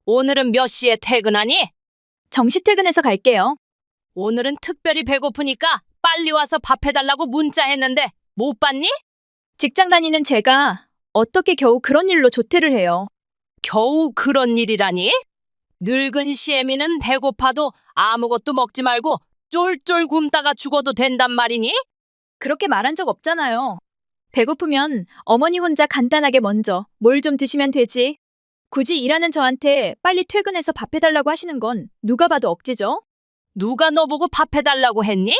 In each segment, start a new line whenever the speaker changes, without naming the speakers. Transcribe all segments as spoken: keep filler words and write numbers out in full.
오늘은 몇 시에 퇴근하니?
정시 퇴근해서 갈게요.
오늘은 특별히 배고프니까 빨리 와서 밥 해달라고 문자했는데 못 봤니?
직장 다니는 제가 어떻게 겨우 그런 일로 조퇴를 해요.
겨우 그런 일이라니? 늙은 시애미는 배고파도 아무것도 먹지 말고 쫄쫄 굶다가 죽어도 된단 말이니?
그렇게 말한 적 없잖아요. 배고프면 어머니 혼자 간단하게 먼저 뭘 좀 드시면 되지. 굳이 일하는 저한테 빨리 퇴근해서 밥 해달라고 하시는 건 누가 봐도 억지죠?
누가 너보고 밥 해달라고 했니?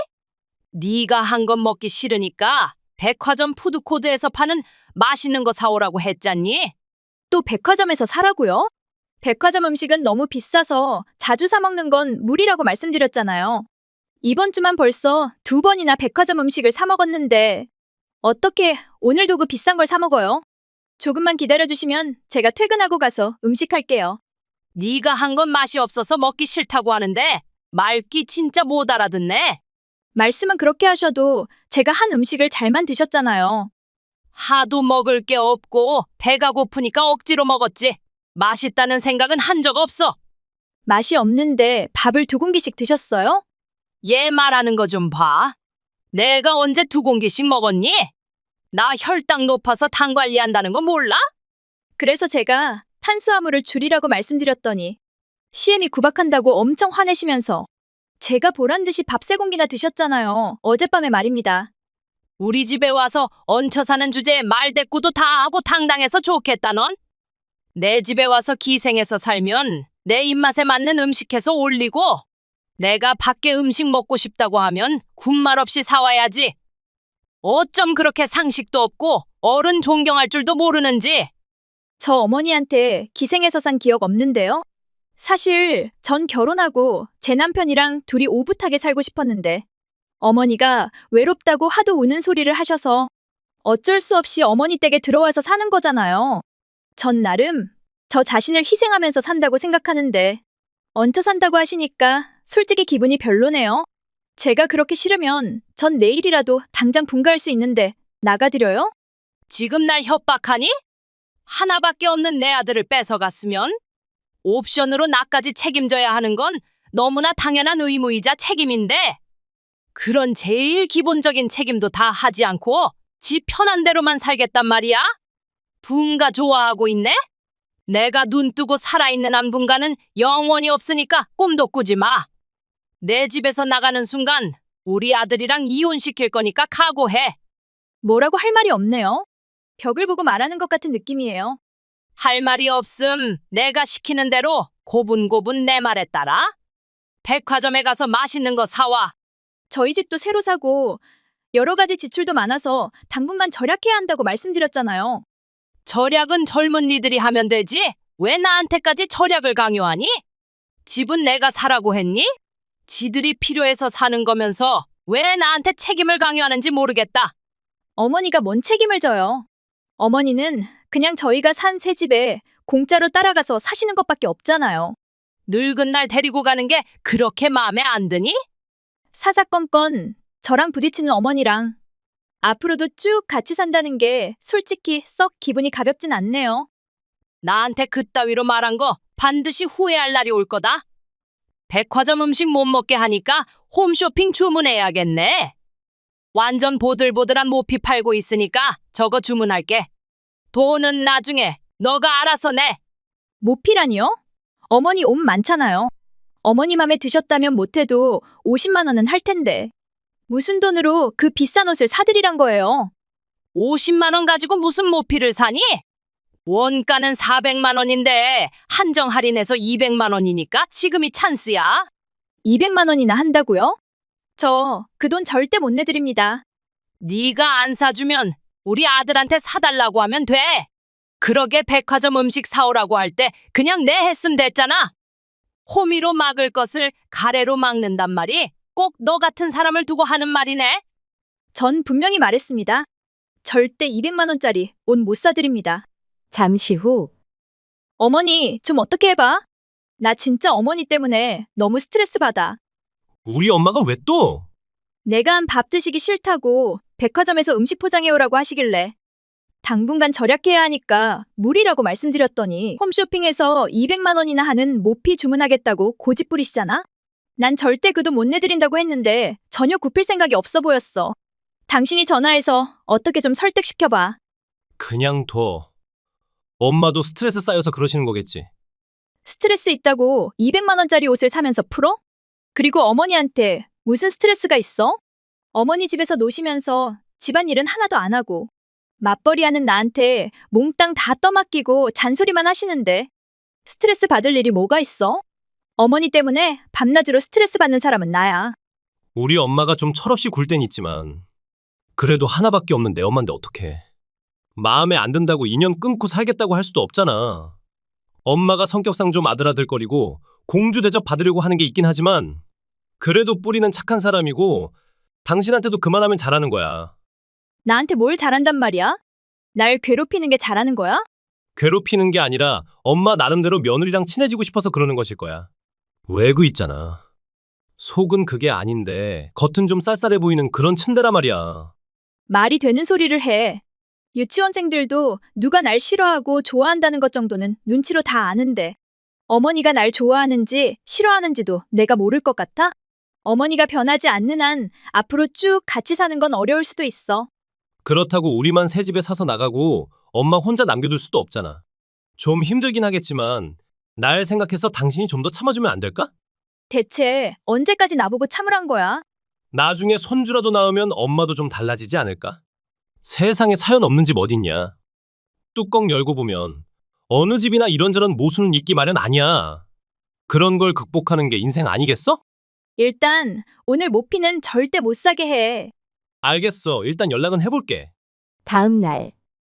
네가 한 건 먹기 싫으니까 백화점 푸드코드에서 파는 맛있는 거 사오라고 했잖니?
또 백화점에서 사라고요? 백화점 음식은 너무 비싸서 자주 사 먹는 건 무리라고 말씀드렸잖아요. 이번 주만 벌써 두 번이나 백화점 음식을 사 먹었는데 어떻게 오늘도 그 비싼 걸 사 먹어요? 조금만 기다려주시면 제가 퇴근하고 가서 음식할게요.
네가 한 건 맛이 없어서 먹기 싫다고 하는데 말귀 진짜 못 알아듣네.
말씀은 그렇게 하셔도 제가 한 음식을 잘만 드셨잖아요.
하도 먹을 게 없고 배가 고프니까 억지로 먹었지. 맛있다는 생각은 한 적 없어.
맛이 없는데 밥을 두 공기씩 드셨어요?
얘 말하는 거 좀 봐. 내가 언제 두 공기씩 먹었니? 나 혈당 높아서 당 관리한다는 거 몰라?
그래서 제가 탄수화물을 줄이라고 말씀드렸더니 시엠이 구박한다고 엄청 화내시면서 제가 보란 듯이 밥 세 공기나 드셨잖아요. 어젯밤에 말입니다.
우리 집에 와서 얹혀 사는 주제에 말대꾸도 다 하고 당당해서 좋겠다 넌? 내 집에 와서 기생해서 살면 내 입맛에 맞는 음식해서 올리고 내가 밖에 음식 먹고 싶다고 하면 군말 없이 사와야지. 어쩜 그렇게 상식도 없고 어른 존경할 줄도 모르는지.
저 어머니한테 기생해서 산 기억 없는데요? 사실 전 결혼하고 제 남편이랑 둘이 오붓하게 살고 싶었는데 어머니가 외롭다고 하도 우는 소리를 하셔서 어쩔 수 없이 어머니 댁에 들어와서 사는 거잖아요. 전 나름 저 자신을 희생하면서 산다고 생각하는데 얹혀 산다고 하시니까 솔직히 기분이 별로네요. 제가 그렇게 싫으면 전 내일이라도 당장 분가할 수 있는데 나가드려요?
지금 날 협박하니? 하나밖에 없는 내 아들을 뺏어갔으면 옵션으로 나까지 책임져야 하는 건 너무나 당연한 의무이자 책임인데 그런 제일 기본적인 책임도 다 하지 않고 지 편한 대로만 살겠단 말이야? 분가 좋아하고 있네? 내가 눈 뜨고 살아있는 한 분가는 영원히 없으니까 꿈도 꾸지 마. 내 집에서 나가는 순간 우리 아들이랑 이혼시킬 거니까 각오해.
뭐라고 할 말이 없네요. 벽을 보고 말하는 것 같은 느낌이에요.
할 말이 없음 내가 시키는 대로 고분고분 내 말에 따라 백화점에 가서 맛있는 거 사와.
저희 집도 새로 사고 여러 가지 지출도 많아서 당분간 절약해야 한다고 말씀드렸잖아요.
절약은 젊은 니들이 하면 되지. 왜 나한테까지 절약을 강요하니? 집은 내가 사라고 했니? 지들이 필요해서 사는 거면서 왜 나한테 책임을 강요하는지 모르겠다.
어머니가 뭔 책임을 져요. 어머니는 그냥 저희가 산 새 집에 공짜로 따라가서 사시는 것밖에 없잖아요.
늙은 날 데리고 가는 게 그렇게 마음에 안 드니?
사사건건 저랑 부딪히는 어머니랑 앞으로도 쭉 같이 산다는 게 솔직히 썩 기분이 가볍진 않네요.
나한테 그따위로 말한 거 반드시 후회할 날이 올 거다. 백화점 음식 못 먹게 하니까 홈쇼핑 주문해야겠네. 완전 보들보들한 모피 팔고 있으니까 저거 주문할게. 돈은 나중에 너가 알아서 내.
모피라니요? 어머니 옷 많잖아요. 어머니 맘에 드셨다면 못해도 오십만 원은 할 텐데. 무슨 돈으로 그 비싼 옷을 사드리란 거예요?
오십만 원 가지고 무슨 모피를 사니? 원가는 사백만 원인데 한정 할인해서 이백만 원이니까 지금이 찬스야.
이백만 원이나 한다고요? 저 그 돈 절대 못 내드립니다.
네가 안 사주면 우리 아들한테 사달라고 하면 돼. 그러게 백화점 음식 사오라고 할 때 그냥 내 했음 됐잖아. 호미로 막을 것을 가래로 막는단 말이 꼭 너 같은 사람을 두고 하는 말이네.
전 분명히 말했습니다. 절대 이백만 원짜리 옷 못 사드립니다.
잠시 후
어머니, 좀 어떻게 해봐? 나 진짜 어머니 때문에 너무 스트레스 받아.
우리 엄마가 왜 또?
내가 한 밥 드시기 싫다고 백화점에서 음식 포장해오라고 하시길래 당분간 절약해야 하니까 무리라고 말씀드렸더니 홈쇼핑에서 이백만 원이나 하는 모피 주문하겠다고 고집 부리시잖아? 난 절대 그 돈 못 내드린다고 했는데 전혀 굽힐 생각이 없어 보였어. 당신이 전화해서 어떻게 좀 설득시켜봐.
그냥 둬. 엄마도 스트레스 쌓여서 그러시는 거겠지.
스트레스 있다고 이백만 원짜리 옷을 사면서 풀어? 그리고 어머니한테 무슨 스트레스가 있어? 어머니 집에서 노시면서 집안일은 하나도 안 하고 맞벌이하는 나한테 몽땅 다 떠맡기고 잔소리만 하시는데 스트레스 받을 일이 뭐가 있어? 어머니 때문에 밤낮으로 스트레스 받는 사람은 나야.
우리 엄마가 좀 철없이 굴 땐 있지만 그래도 하나밖에 없는 내 엄마인데 어떡해. 마음에 안 든다고 인연 끊고 살겠다고 할 수도 없잖아. 엄마가 성격상 좀 아들아들거리고 공주 대접 받으려고 하는 게 있긴 하지만 그래도 뿌리는 착한 사람이고 당신한테도 그만하면 잘하는 거야.
나한테 뭘 잘한단 말이야? 날 괴롭히는 게 잘하는 거야?
괴롭히는 게 아니라 엄마 나름대로 며느리랑 친해지고 싶어서 그러는 것일 거야. 외구 있잖아. 속은 그게 아닌데 겉은 좀 쌀쌀해 보이는 그런 츤데라 말이야.
말이 되는 소리를 해. 유치원생들도 누가 날 싫어하고 좋아한다는 것 정도는 눈치로 다 아는데 어머니가 날 좋아하는지 싫어하는지도 내가 모를 것 같아? 어머니가 변하지 않는 한 앞으로 쭉 같이 사는 건 어려울 수도 있어.
그렇다고 우리만 새 집에 사서 나가고 엄마 혼자 남겨둘 수도 없잖아. 좀 힘들긴 하겠지만 날 생각해서 당신이 좀 더 참아주면 안 될까?
대체 언제까지 나보고 참으란 거야?
나중에 손주라도 낳으면 엄마도 좀 달라지지 않을까? 세상에 사연 없는 집 어딨냐? 뚜껑 열고 보면 어느 집이나 이런저런 모순은 있기 마련 아니야. 그런 걸 극복하는 게 인생 아니겠어?
일단 오늘 모피는 절대 못 사게 해.
알겠어. 일단 연락은 해볼게.
다음 날,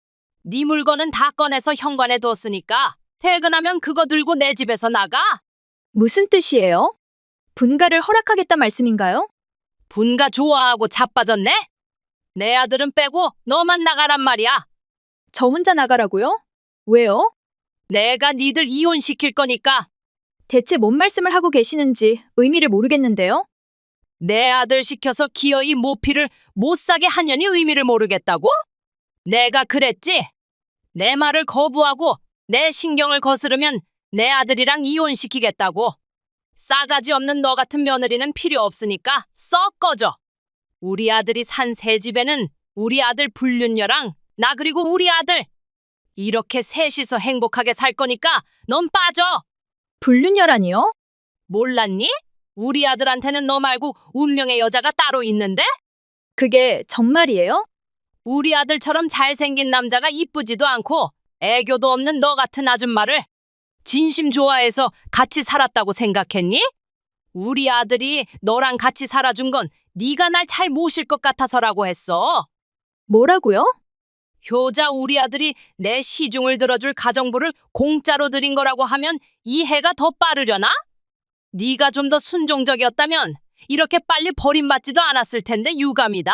네 물건은 다 꺼내서 현관에 뒀으니까 퇴근하면 그거 들고 내 집에서 나가.
무슨 뜻이에요? 분가를 허락하겠다 말씀인가요?
분가 좋아하고 자빠졌네? 내 아들은 빼고 너만 나가란 말이야.
저 혼자 나가라고요? 왜요?
내가 니들 이혼시킬 거니까.
대체 뭔 말씀을 하고 계시는지 의미를 모르겠는데요?
내 아들 시켜서 기어이 모피를 못 사게 하냐니 의미를 모르겠다고? 내가 그랬지? 내 말을 거부하고 내 신경을 거스르면 내 아들이랑 이혼시키겠다고. 싸가지 없는 너 같은 며느리는 필요 없으니까 썩 꺼져. 우리 아들이 산 새 집에는 우리 아들 불륜녀랑 나 그리고 우리 아들 이렇게 셋이서 행복하게 살 거니까 넌 빠져.
불륜녀라니요?
몰랐니? 우리 아들한테는 너 말고 운명의 여자가 따로 있는데?
그게 정말이에요?
우리 아들처럼 잘생긴 남자가 이쁘지도 않고 애교도 없는 너 같은 아줌마를 진심 좋아해서 같이 살았다고 생각했니? 우리 아들이 너랑 같이 살아준 건 네가 날 잘 모실 것 같아서라고 했어.
뭐라고요?
효자 우리 아들이 내 시중을 들어줄 가정부를 공짜로 드린 거라고 하면 이해가 더 빠르려나? 네가 좀 더 순종적이었다면 이렇게 빨리 버림받지도 않았을 텐데 유감이다.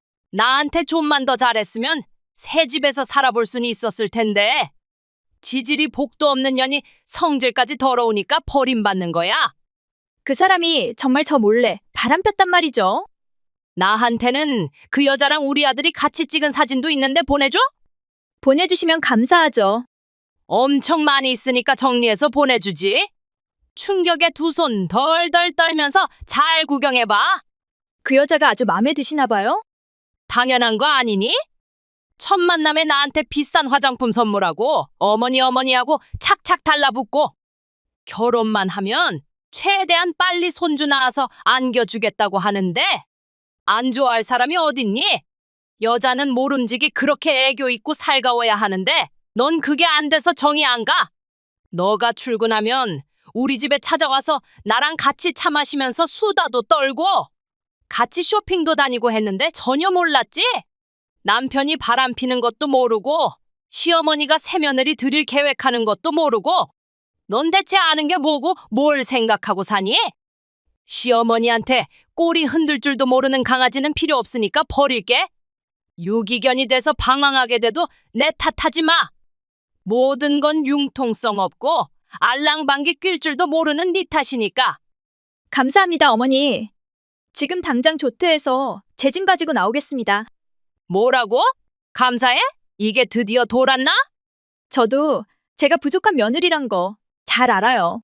나한테 좀만 더 잘했으면 새 집에서 살아볼 수는 있었을 텐데. 지질이 복도 없는 년이 성질까지 더러우니까 버림받는 거야.
그 사람이 정말 저 몰래 바람 폈단 말이죠.
나한테는 그 여자랑 우리 아들이 같이 찍은 사진도 있는데 보내줘?
보내주시면 감사하죠.
엄청 많이 있으니까 정리해서 보내주지. 충격에 두 손 덜덜 떨면서 잘 구경해봐.
그 여자가 아주 마음에 드시나 봐요?
당연한 거 아니니? 첫 만남에 나한테 비싼 화장품 선물하고 어머니 어머니하고 착착 달라붙고 결혼만 하면 최대한 빨리 손주 낳아서 안겨주겠다고 하는데 안 좋아할 사람이 어딨니? 여자는 모름지기 그렇게 애교 있고 살가워야 하는데 넌 그게 안 돼서 정이 안 가. 너가 출근하면 우리 집에 찾아와서 나랑 같이 차 마시면서 수다도 떨고 같이 쇼핑도 다니고 했는데 전혀 몰랐지? 남편이 바람 피는 것도 모르고 시어머니가 새며느리 들일 계획하는 것도 모르고 넌 대체 아는 게 뭐고 뭘 생각하고 사니? 시어머니한테 꼬리 흔들 줄도 모르는 강아지는 필요 없으니까 버릴게. 유기견이 돼서 방황하게 돼도 내 탓하지 마. 모든 건 융통성 없고 알랑방귀 낄 줄도 모르는 네 탓이니까.
감사합니다, 어머니. 지금 당장 조퇴해서 제 짐 가지고 나오겠습니다.
뭐라고? 감사해? 이게 드디어 돌았나?
저도 제가 부족한 며느리란 거 잘 알아요.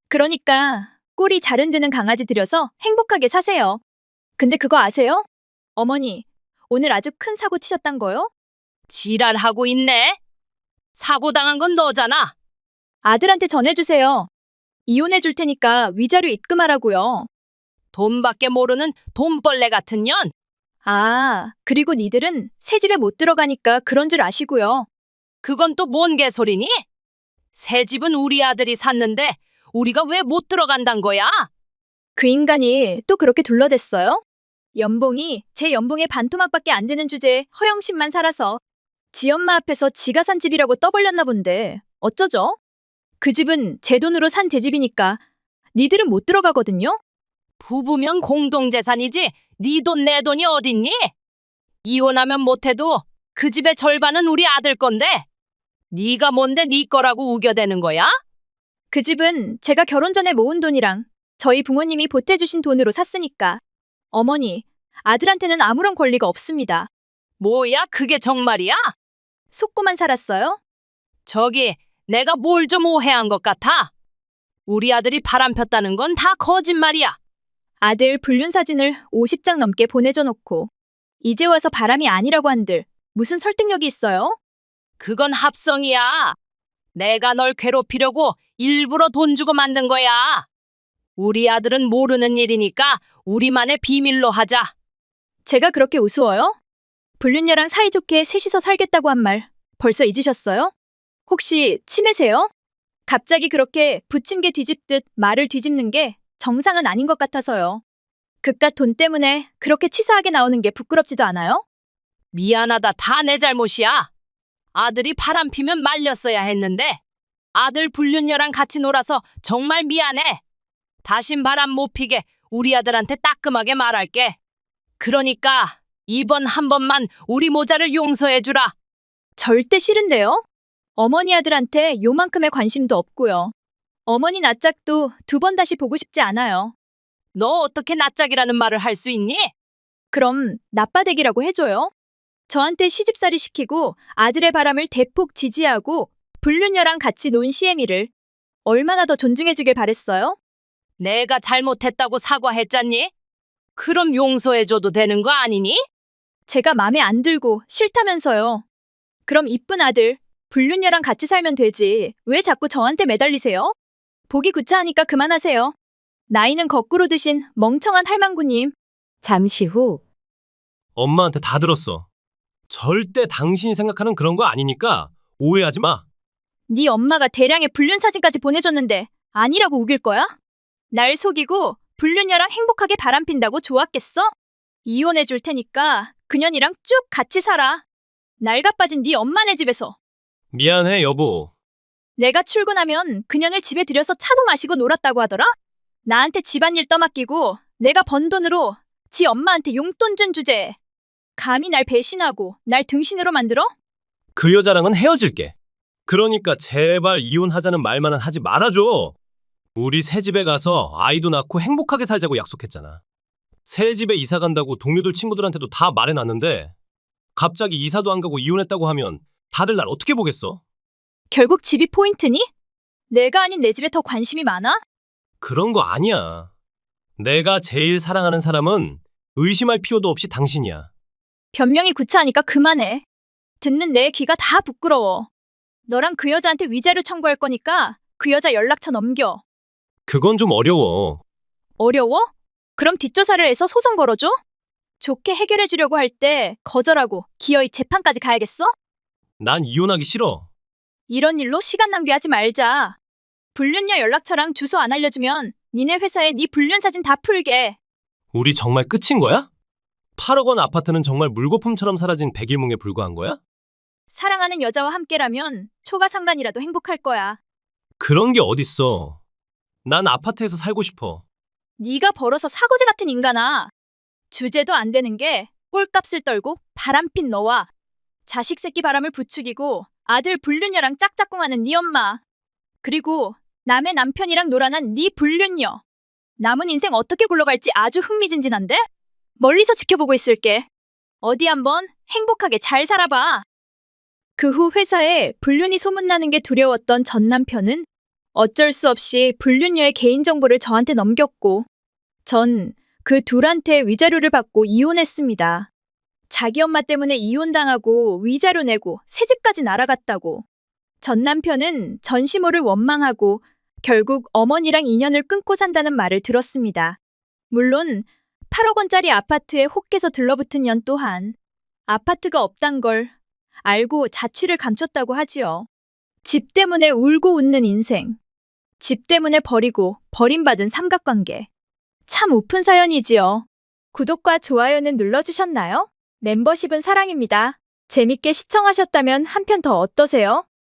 그러니까 꼬리 잘 흔드는 강아지 들여서 행복하게 사세요. 근데 그거 아세요? 어머니, 오늘 아주 큰 사고 치셨단 거요?
지랄하고 있네. 사고 당한 건 너잖아.
아들한테 전해주세요. 이혼해 줄 테니까 위자료 입금하라고요.
돈밖에 모르는 돈벌레 같은 년.
아, 그리고 니들은 새 집에 못 들어가니까 그런 줄 아시고요.
그건 또 뭔 개소리니? 새 집은 우리 아들이 샀는데 우리가 왜 못 들어간단 거야?
그 인간이 또 그렇게 둘러댔어요? 연봉이 제 연봉의 반토막밖에 안 되는 주제에 허영심만 살아서 지 엄마 앞에서 지가 산 집이라고 떠벌렸나 본데 어쩌죠? 그 집은 제 돈으로 산 제 집이니까 니들은 못 들어가거든요?
부부면 공동재산이지 네 돈 내 돈이 어딨니? 이혼하면 못해도 그 집의 절반은 우리 아들 건데 네가 뭔데 네 거라고 우겨대는 거야?
그 집은 제가 결혼 전에 모은 돈이랑 저희 부모님이 보태주신 돈으로 샀으니까 어머니, 아들한테는 아무런 권리가 없습니다.
뭐야 그게 정말이야?
속고만 살았어요?
저기 내가 뭘 좀 오해한 것 같아. 우리 아들이 바람 폈다는 건 다 거짓말이야.
아들 불륜 사진을 오십 장 넘게 보내줘 놓고 이제 와서 바람이 아니라고 한들 무슨 설득력이 있어요?
그건 합성이야. 내가 널 괴롭히려고 일부러 돈 주고 만든 거야. 우리 아들은 모르는 일이니까 우리만의 비밀로 하자.
제가 그렇게 우스워요? 불륜녀랑 사이좋게 셋이서 살겠다고 한 말 벌써 잊으셨어요? 혹시 치매세요? 갑자기 그렇게 부침개 뒤집듯 말을 뒤집는 게 정상은 아닌 것 같아서요. 그깟 돈 때문에 그렇게 치사하게 나오는 게 부끄럽지도 않아요?
미안하다. 다 내 잘못이야. 아들이 바람 피면 말렸어야 했는데 아들 불륜녀랑 같이 놀아서 정말 미안해. 다신 바람 못 피게 우리 아들한테 따끔하게 말할게. 그러니까 이번 한 번만 우리 모자를 용서해주라.
절대 싫은데요? 어머니 아들한테 요만큼의 관심도 없고요. 어머니 낯짝도 두 번 다시 보고 싶지 않아요.
너 어떻게 낯짝이라는 말을 할 수 있니?
그럼 나빠대기라고 해줘요. 저한테 시집살이 시키고 아들의 바람을 대폭 지지하고 불륜녀랑 같이 논 시애미를 얼마나 더 존중해주길 바랬어요?
내가 잘못했다고 사과했잖니? 그럼 용서해줘도 되는 거 아니니?
제가 맘에 안 들고 싫다면서요. 그럼 이쁜 아들 불륜녀랑 같이 살면 되지. 왜 자꾸 저한테 매달리세요? 보기 구차하니까 그만하세요. 나이는 거꾸로 드신 멍청한 할망구님.
잠시 후
엄마한테 다 들었어. 절대 당신이 생각하는 그런 거 아니니까 오해하지 마.
네 엄마가 대량의 불륜 사진까지 보내줬는데 아니라고 우길 거야? 날 속이고 불륜녀랑 행복하게 바람핀다고 좋았겠어? 이혼해 줄 테니까 그년이랑 쭉 같이 살아. 낡아빠진 네 엄마네 집에서.
미안해, 여보.
내가 출근하면 그년을 집에 들여서 차도 마시고 놀았다고 하더라? 나한테 집안일 떠맡기고 내가 번 돈으로 지 엄마한테 용돈 준 주제에 감히 날 배신하고 날 등신으로 만들어?
그 여자랑은 헤어질게. 그러니까 제발 이혼하자는 말만은 하지 말아줘. 우리 새 집에 가서 아이도 낳고 행복하게 살자고 약속했잖아. 새 집에 이사 간다고 동료들 친구들한테도 다 말해놨는데 갑자기 이사도 안 가고 이혼했다고 하면 다들 날 어떻게 보겠어?
결국 집이 포인트니? 내가 아닌 내 집에 더 관심이 많아?
그런 거 아니야. 내가 제일 사랑하는 사람은 의심할 필요도 없이 당신이야.
변명이 구차하니까 그만해. 듣는 내 귀가 다 부끄러워. 너랑 그 여자한테 위자료 청구할 거니까 그 여자 연락처 넘겨.
그건 좀 어려워.
어려워? 그럼 뒷조사를 해서 소송 걸어줘? 좋게 해결해 주려고 할 때 거절하고 기어이 재판까지 가야겠어?
난 이혼하기 싫어.
이런 일로 시간 낭비하지 말자. 불륜녀 연락처랑 주소 안 알려주면 니네 회사에 네 불륜 사진 다 풀게.
우리 정말 끝인 거야? 팔억 원 아파트는 정말 물거품처럼 사라진 백일몽에 불과한 거야?
사랑하는 여자와 함께라면 초과 상간이라도 행복할 거야.
그런 게 어딨어. 난 아파트에서 살고 싶어.
네가 벌어서 사고지 같은 인간아. 주제도 안 되는 게 꼴값을 떨고 바람핀 너와 자식 새끼 바람을 부추기고 아들 불륜녀랑 짝짝꿍하는 네 엄마. 그리고 남의 남편이랑 놀아난 네 불륜녀. 남은 인생 어떻게 굴러갈지 아주 흥미진진한데? 멀리서 지켜보고 있을게. 어디 한번 행복하게 잘 살아봐. 그 후 회사에 불륜이 소문나는 게 두려웠던 전 남편은 어쩔 수 없이 불륜녀의 개인정보를 저한테 넘겼고, 전 그 둘한테 위자료를 받고 이혼했습니다. 자기 엄마 때문에 이혼당하고 위자료 내고 새집까지 날아갔다고. 전 남편은 전시모를 원망하고 결국 어머니랑 인연을 끊고 산다는 말을 들었습니다. 물론 팔억 원짜리 아파트에 혹해서 들러붙은 년 또한 아파트가 없단 걸 알고 자취를 감췄다고 하지요. 집 때문에 울고 웃는 인생. 집 때문에 버리고 버림받은 삼각관계. 참 우픈 사연이지요. 구독과 좋아요는 눌러주셨나요? 멤버십은 사랑입니다. 재밌게 시청하셨다면 한 편 더 어떠세요?